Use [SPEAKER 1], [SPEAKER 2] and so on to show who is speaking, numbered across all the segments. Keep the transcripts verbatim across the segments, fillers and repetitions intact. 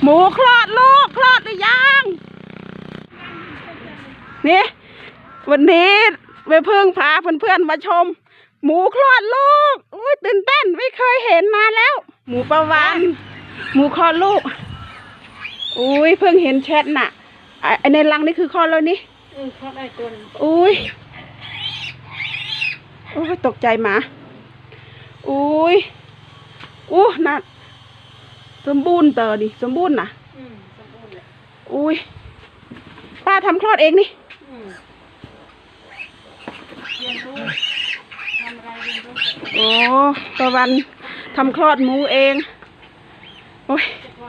[SPEAKER 1] หมูคลอดลูกคลอดหรือยังนี่วันนี้ไปเพิ่งพาเพื่อนๆมาชมหมูคลอดลูกอุ้ยตื่นเต้นไม่เคยเห็นมาแล้ว หมูประวานหมูคลอดลูกอุ้ยเพิ่งเห็นแชทน่ะไอในรังนี่คือคลอดแล้วนี่
[SPEAKER 2] เออคลอดได้ตัวนึง
[SPEAKER 1] อุ้ยโอ้ยตกใจหมาอุ้ยอู้น่ะสมบูรณ์เตอดิสมบูรณ์น่ะ
[SPEAKER 2] อืมสมบูรณ์เลย
[SPEAKER 1] อุ้ยป้าทำคลอดเองนี่
[SPEAKER 2] อืมเรียนรู้ทำอะไรเรียนรู้
[SPEAKER 1] โอ้ตะวันทำคลอดหมูเองโอ้ย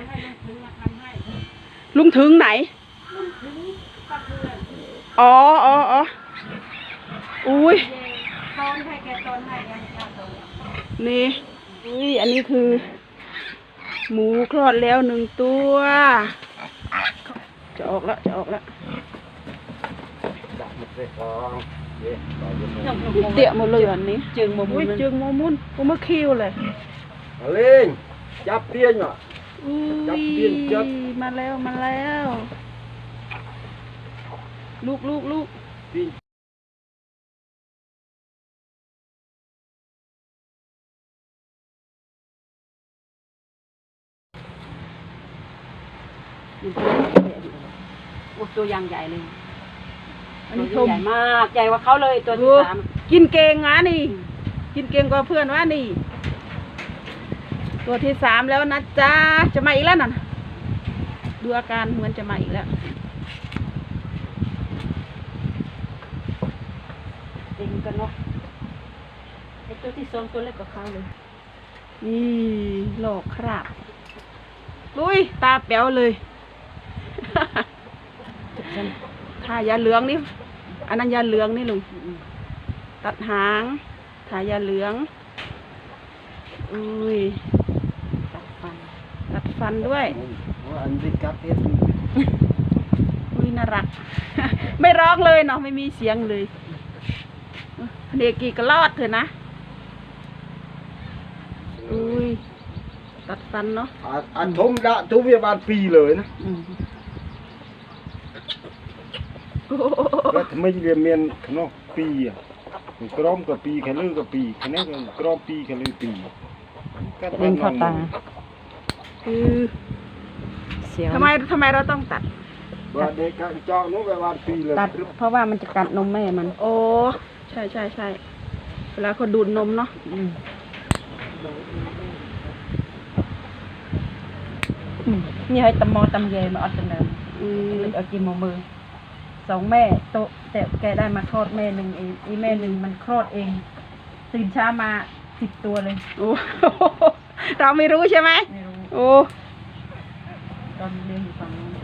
[SPEAKER 1] ลุงถึงไหนอ๋ออ๋ออ๋ออุ้ยนี่อุ้ยอันนี้คือหมูคลอดแล้วหนึ่งตัวจะออกแล้วจะออกแล้วเตี่ยหมดเลยอันนี้
[SPEAKER 2] จึงโมมุน
[SPEAKER 1] จึงโมมุนกูมาคิวเลย
[SPEAKER 3] เล่นจับเตียนอ่ะ
[SPEAKER 1] จับเตียนจับมาแล้วมาแล้วลูกลูกลูก
[SPEAKER 2] โอ้ตัวยางใหญ่เลยอันนี้ตัวใหญ่มากใหญ่กว่าเขาเลยตัวที่สาม
[SPEAKER 1] กินเก่งนะนี่กินเก่งกว่าเพื่อนว่านี่ตัวที่สามแล้วนะจ๊ะจะมาอีกแล้วน่ะดูอาการเหมือนจะมาอีกแล้ว
[SPEAKER 2] เองกันเนาะไอตัวที่สองตัวเล็กกว่าเขาเลย
[SPEAKER 1] นี่หลอกครับลุยตาแป๋วเลยทายาเหลืองนี่อันนั้นยาเหลืองนี่ลุงตัดหางทายาเหลืองอุ้ย
[SPEAKER 2] ตัดฟัน
[SPEAKER 1] ตัดฟันด้วย
[SPEAKER 3] อันนี้กัดเอ็ด
[SPEAKER 1] อุ้ยน่ารักไม่ร้องเลยเนาะไม่มีเสียงเลยเด็กกี่ก็รอดเถอะนะอุ้ยตัดฟันเนาะ
[SPEAKER 3] อันทมละทุกวิบาลปีเลยนะแล้วทำไมเรียนเมียนขนมปีอ่ะกรอมกับปีแค่ลือกับปีแค่นี้กรอมปีแค่ลือปี
[SPEAKER 2] เป็นข้อตา
[SPEAKER 1] คือทำไมทำไมเราต้องตัด
[SPEAKER 3] ว่าเด็กกันเจาะนู้นไปวันปีเลย
[SPEAKER 2] ตัดเพราะว่ามันจะกัดนมแม่มัน
[SPEAKER 1] โอ้ใช่ใช่ใช่เวลาเขาดูดนมเนาะ
[SPEAKER 2] นี่ให้ตำมอตำเยมาอัดกันเลยเอากินหมูมือสองแม่โตแต่แกได้มาคลอดแม่หนึ่งเองอีแม่หนึ่งมันคลอดเองตื่นเช้ามาสิบตัวเลย
[SPEAKER 1] โอ้เราไม่รู้ใช่ไหม
[SPEAKER 2] ไม่รู้
[SPEAKER 1] โอ้
[SPEAKER 2] ตอนเรียนอยู่ฝั่งนู้น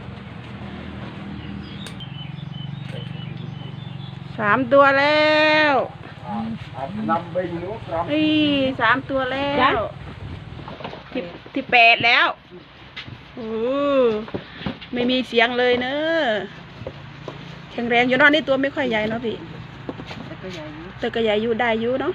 [SPEAKER 1] สามตัวแล้ว
[SPEAKER 3] นำไปนู้นครับ
[SPEAKER 1] นี่สามตัวแล้วที่ที่แปดแล้วโอ้ไม่มีเสียงเลยเนอะแข็งแรงอยู่นอนนี่ตัวไม่ค่อยใหญ่เนาะพี่
[SPEAKER 2] แต่ก็ใหญ่อยู่
[SPEAKER 1] แต่ก็ใหญ่อยู่ได้อยู่เนาะ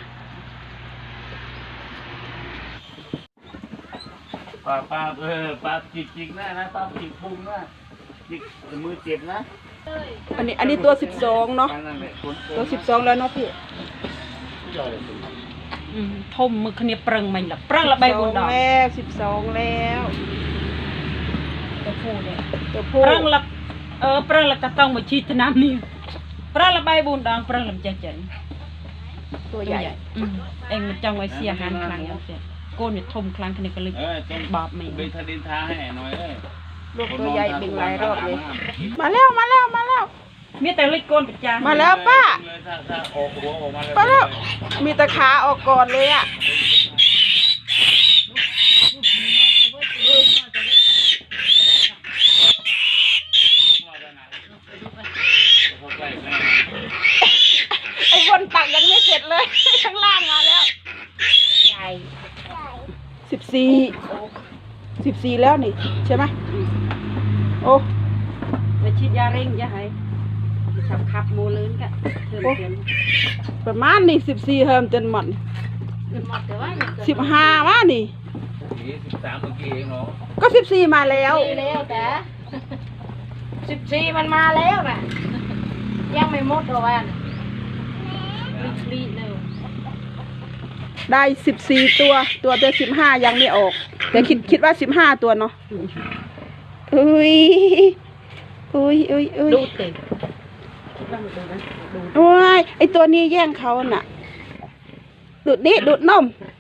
[SPEAKER 3] ป้าป้าเออป้าจิกจิกนะนะป้าจิกพุงนะจิกมือเจ็บนะ
[SPEAKER 1] อันนี้อันนี้ตัวสิบสองเนาะตัวสิบสองแล้วเนาะพี่
[SPEAKER 2] ทมมือขณีปรังมันละปรังละใบบนดอก
[SPEAKER 1] แล้วสิบสองแล้ว
[SPEAKER 2] ตัวผู้เนี่ย
[SPEAKER 1] ตัวผู้
[SPEAKER 2] ปรังละเออปรังละกระต้องมาชีดน้ำนี่ปรังละใบบนดองปรังลำใจใจ
[SPEAKER 1] ตัวใหญ่
[SPEAKER 2] เองมันจังไว้เสียหันครั้งแล้วเสียโกนเนี่ยทมครั้งขณีก็เลยบาปไม่
[SPEAKER 3] ไปทะเลท้าให้หน่อยเลย
[SPEAKER 1] ลูกตัวใหญ่เป็นหลายรอบเลยมาแล้วมาแล้วมาแล้ว
[SPEAKER 2] มีแต่เล็กโกนประจาน
[SPEAKER 1] มาแล้วป้าป้าแล้วมีตะขาออกก่อนเลยอ่ะไอ้บนตักยังไม่เสร็จเลยข้างล่างมาแล้ว
[SPEAKER 2] ใหญ่
[SPEAKER 1] สิบสี่สิบสี่แล้วนี่ใช่ไหมโอ้
[SPEAKER 2] ไปฉีดยาเร่งยาให้ขับขับโมเลนกัน
[SPEAKER 1] ประมาณนี่สิบสี่เฮิมจนหมดสิบห้าว่านี่
[SPEAKER 4] สิบสามเมื่อกี้เองเนาะ
[SPEAKER 1] ก็สิบสี่มาแล้ว
[SPEAKER 5] ดีแล้วแต่สิบสี่มันมาแล้วน่ะ ยังไม่หมดหรอกวันรีบเร็ว
[SPEAKER 1] ได้สิบสี่ตัว ตัวเดียวสิบห้ายังไม่ออก แต่คิดคิดว่าสิบห้าตัวเนาะอุ้ยอุ้ยอุ้ยอุ้ย
[SPEAKER 2] ดูเต็ม
[SPEAKER 1] โอ้ยไอตัวนี้แย่งเขาน่ะ ดูดดิดูดนม